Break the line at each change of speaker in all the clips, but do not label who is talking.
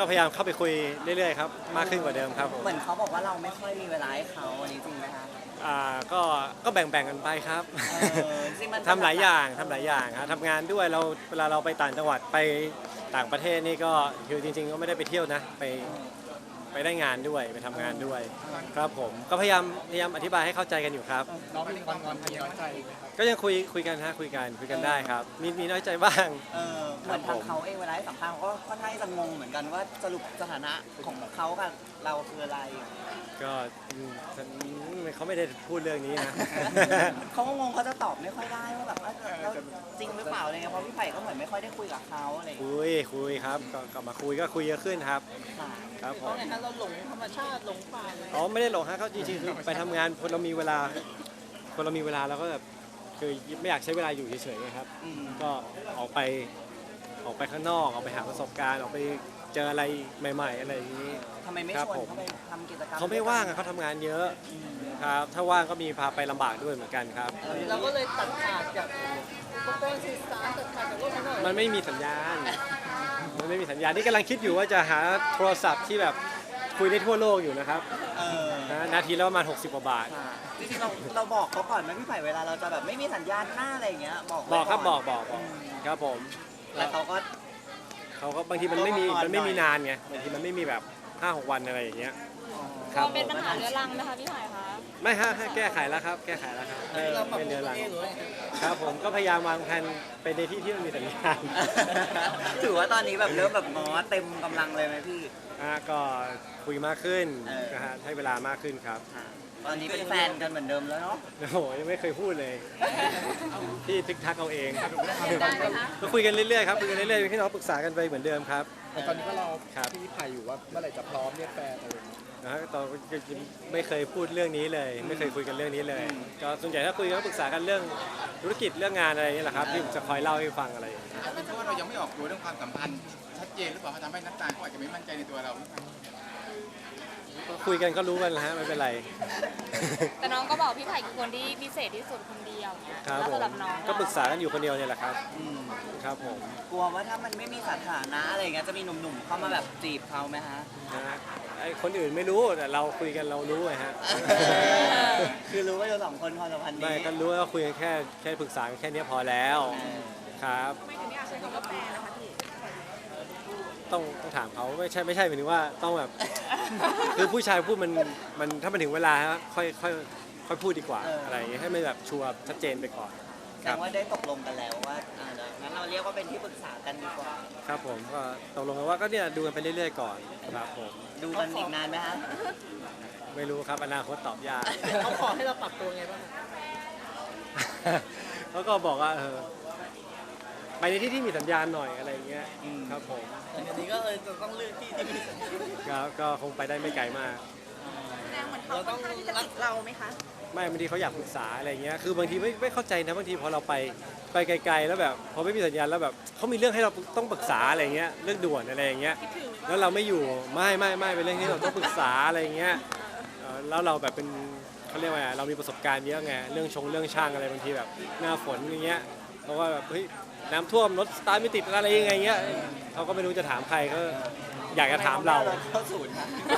ก็พยายามเข้าไปคุยเรื่อยๆครับมากขึ้นกว่าเดิมครับผม
เหมือนเขาบอกว่าเราไม่ค่อยมีเวลาให้เขาอันนี้จริงไหมคะ
ก็แบ่งๆกันไปครับ
จริงมัน
ทำหลายอย่างครับทำงานด้วยเราเวลาเราไปต่างจังหวัดไปต่างประเทศนี่ก็คือจริงๆก็ไม่ได้ไปเที่ยวนะไปได้งานด้วยไปทำงานด้วยครับผมก็พยายามอธิบายให้เข้าใจกันอยู่ครับ
น้องมีงอนมีน้อยใจไหมครับ
ก็ยังคุยกันฮะคุยกันได้ครับมีน้อยใจบ้าง
เหมือนทางเขาเองเวลาให้สัมภาษณ์เขาก็ค่อนข้างจะงงเหมือนกันว่าสรุปสถานะของเขากับเราคืออะไร
ก็เขาไม่ได้พูดเรื่องนี้นะ
เขาก็งงเขาจะตอบไม่ค่อยได้ว่าแบบว่าแล้วจริงหรือเปล่าอะไรเงี้ยเพราะพี่ไผ่ก็เหมือนไม่ค่อยได้คุยกับเขาอะไรอย่างเงี้ย
คุยครับก็มาคุยก็คุยเยอะขึ้นครับ
ค่ะ
ครับผม
เพราะไงคะเราหลงธรรมชาติหลงป่าเลย
อ๋อไม่ได้หลงฮะเขาจริงๆคือไปทำงานคนเรามีเวลาเราก็แบบคือไม่อยากใช้เวลาอยู่เฉยๆไงครับ
อืม
ก็ออกไปข้างนอกออกไปหาประสบการณ์ออกไปเจออะไรใหม่ ๆ อะไรอย่างนี้
ทำไมไม่
ครับ
ชวน
ผม
เขาไปทำกิจกรรม
เขาไม่ว่างอะเขาทำงานเยอะครับถ้าว่างก็มีพาไปลำบากด้วยเหมือนกันครับ
เราก็เลยตัดขาดจากอุปกรณ์สื่อสารตัดขาดจากโลกภายนอก
มันไม่มีสัญญาณนี่กำลังคิดอยู่ว่าจะหาโทรศัพท์ที่แบบคุยได้ทั่วโลกอยู่นะครับ
เออ
นะนาทีละประมาณ60 กว่าบาท
ค่ะจริงๆเราบอกเขาก่อนไหมพี่ไผ่เวลาเราจะแบบไม่มีสัญญาณหน้าอะไรอย่างเงี้ยบอกไว้
บอกครับ
น
บอกครับผม
แล้วเขาก็
เขาก็บางทีมันไม่มีนานไงบางทีมันไม่มีแบบ 5-6 วันอะไรอย่างเงี้ยค
ก
รั
ลั
บ
วเป็นปัญหาเรื้อรังไหมคะพี่หอยคะ
ไม่ฮะแก้ไขแล้วครับ
เราปรับ
ไม่
ป
เดื
รุ
อง รัง
เองหรือไง
ครับผมก็พยายามวางแผนไปในที่ที่มันมีสัญญาณ
ถือว่าตอนนี้แบบเริ่มแบบง้อเต็มกำลังเลยไหมพี่
ก็คุยมากขึ้น
เออ
นะฮะให้เวลามากขึ้นครับ
ค่ะตอนนี้เป็นแฟนกันเหมือนเดิมแล้วเนาะ
โอ้โหยังไม่เคยพูดเลยพี่ทิกทักเอาเอง
ได้ไหมคะ
ก็คุยกันเรื่อยๆครับคุยกันเรื่อยๆพี่น้องปรึกษากันไปเหมือนเดิมครับ
แต่ตอนนี้ก็รอ
ครับ
พี่ไผ่อยู่ว่าเมื่อไหร่จะพร้อมเรียกแฟนอะไรอย่างเงี้ย
นะฮะตอนไม่เคยพูดเรื่องนี้เลย ไม่เคยคุยกันเรื่องนี้เลย ก็ส่วนใหญ่ถ้าคุยก็ปรึกษากันเรื่องธุรกิจเรื่องงานอะไรนี่แหละครับที่จะคอยเล่าให้ฟังอะไรอย่างเงี้ย
เป็นเพราะว่าเรายังไม่ออกตัวเรื่องความสัมพันธ์ชัดเจนหรือเปล่าเขาทำให้น้ำตาลเขาอาจจะไม่มั่นใจในตัวเรา
ก็คุยกันก็รู้กันแล้วฮะไม่เป็นไร
แต่น้องก็บอกพี่ไผ่คือคนที่พิเศษที่สุดคนเดียวเนี่ย
ครับ
แล้ว
ผม
สำหรับน้อง
ก็ปรึกษากันอยู่คนเดียวเนี่ยแหละครับ
อืม
ครับผม
กลัวว่าถ้ามันไม่มีสถานะอะไรอย่างเงี้ยจะมีหนุ่มๆเข้ามาแบบจีบเขาไหมฮะ
นะฮะไอ้คนอื่นไม่รู้แต่เราคุยกันเรารู้ไงฮะ
คือรู้ว่าเราสองคนความสัมพันธ์
ไม่
นี้
ก็รู้ว่าคุยกันแค่ปรึกษากันแค่เนี้ยพอแล้ว
เออ
ครับ
ไม่ถึงอยากใช้คำว่าแฟนนะคะพี่
ต้องถามเขาไม่ใช่หมายถึงว่าต้องแบบ คือผู้ชายพูดมันถ้ามันถึงเวลาฮะค่อยพูดดีกว่าอะไรอย่างเงี้ยให้มันแบบชัวร์ชัดเจนไปก่อน
แสดงว่าได้ตกลงกันแล้วว่าเดี๋ยวงั้นเราเรียกว่าเป็นที่ปรึกษากันดีกว่า
ครับผมก็ตกลงกันว่าก็เนี่ยดูกันไปเรื่อยๆก่อนครับผม
ดูกันอีกนานไหมฮะ
ไม่รู้ครับอนาคตตอบยาก
เขาขอให้เราปรับตัวไงบ้างคะ
เขาก็บอกว่าไปในที่ที่มีสัญญาณหน่อยอะไรอย่างเงี้ย
อืม
ครับผม
แต่ทีนี้ก็เลยจะต้องเลือกที่ที่มีสัญญาณ
ก็คงไปได้ไม่ไกลมาก
เราต้องรัก
เราไหมคะ
ไม่บางทีเขาอยากปรึกษาอะไรเงี้ยคือบางทีไม่เข้าใจนะบางทีพอเราไปไกลๆแล้วแบบพอไม่มีสัญญาณแล้วแบบเขามีเรื่องให้เราต้องปรึกษาอะไรเงี้ยเรื่องด่วนอะไรอย่างเงี้ยแล้วเราไม่อยู่ไม่เป็นเรื่องที่เราต้องปรึกษาอะไรเงี้ยแล้วเราแบบเป็นเขาเรียกว่าไงเรามีประสบการณ์เยอะไงเรื่องช่างอะไรบางทีแบบหน้าฝนอย่างเงี้ยเพราะว่าแบบเฮ้ยน้ำท่วมรถสตาร์ทไม่ติดอะไรยังไงเงี้ยเขาก็ไม่รู้จะถามใครก็อยากจะถามเรา
เข้าศูนย์นะ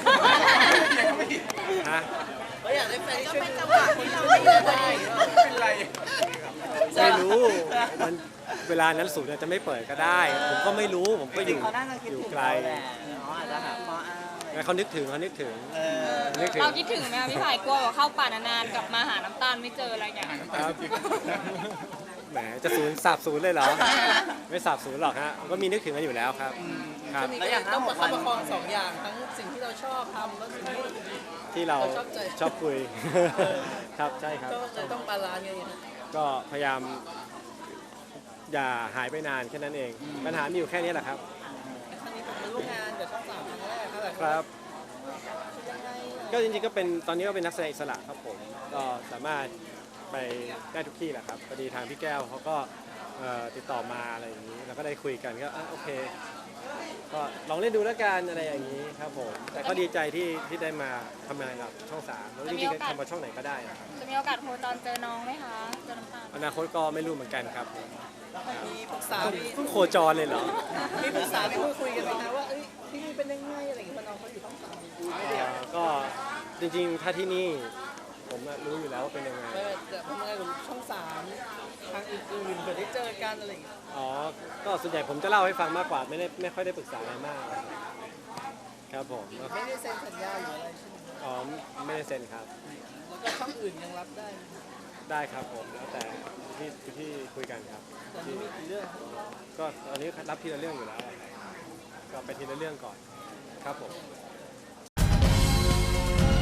ฮะ
เราอยากได้แฟนที่ช่วยจังหวะที่เราไม่ได้
เป็นไร
ไม่รู้มันเวลานั้นศูนย์อาจจะไม่เปิดก็ได้ ผมก็ไม่รู้ผมก็อ
จริง
ยู่
ๆเขาน่าจะคิด
อยู่
ถึง
ไกล
เราแหละเขาอาจจะหาข้ออ้างอะไร
แล้วเขานึกถึง
เออ
นึกถึง
เราคิดถึงไหมคะพี่ไผ่กลัวว่าเข้าป่านานๆกลับมาหาน้ำตาลไม่เจออะไรอย่างเงี้ย
ครับแหมจะสาบศูนย์เลยเหรอ ไม่สาบศูนย์หรอกฮะก็มีนึกถึงกันอยู่แล้วครับครับ
แล้วอย่างต้องประคับประคองสองอย่างทั้งสิ่งที่เราชอบทำแล้วสิ่งที่
ที่เรา
เราชอบใจ
ชอบคุย ครับใช่ครับ
ก็เลยต้องบาลานซ์กันอย่างนี้
ก็พยายามอย่าหายไปนานแค่นั้นเอง ปัญหามีอยู่แค่นี้แหละครับ
ครั้งนี้ผมมาร่วมงานกับช่องสามครั้งแรกครับ
ครับ
ยังไง
ก็จริงๆก็เป็นตอนนี้ก็เป็นนักแสดงอิสระครับผมก็สามารถไปได้ทุกที่แหละครับพอดีทางพี่แก้วเขาก็ติดต่อมาอะไรอย่างนี้เราก็ได้คุยกันก็โอเคก็ลองเล่นดูแล้วกันอะไรอย่างนี้ครับผมแต่ก็ดีใจที่ได้มาทำงานกับช่อง3แล้วจริงๆทำมาช่องไหนก็ได้นะครับ
จะมีโอกาสโทรตอนเจอน้องไหมคะเจอน้ำตาล
อนาคตก็ไม่รู้เหมือนกันครับผม
มีปรึกษา
เพิ่งโคจรเลยเหรอ
มีปรึกษามีพูดคุยกันไหมคะว่าที่นี่เป็นยังไงอะไรอย่างเงี้ยเพราะน้องเขาอยู่ต้องสามไม่ได้อยาก
ก็จริงๆถ้าที่นี่ผมรู้อยู่แล้วว่าเป็นยังไง
ไม่จะทำงานกับช่องสามทางอื่นๆเผื่อได้เจอกันอะไรอย่างเงี้ย
อ๋อก็ส่วนใหญ่ผมจะเล่าให้ฟังมากกว่าไม่ค่อยได้ปรึกษาอะไรมากครับผม
ไม่ได้เซ็นสัญญาหรืออะไรใช่ไหม
อ๋อไม่ได้เซ็นครับ
แล้วก็ช่องอื่นยังรับได้
ได้ครับผมแล้วแต่ที่คุยกันครับ
ตอนนี้มีกี่เรื่อง
ก็ตอนนี้รับทีละเรื่องอยู่แล้วก็ไปทีละเรื่องก่อนครับผม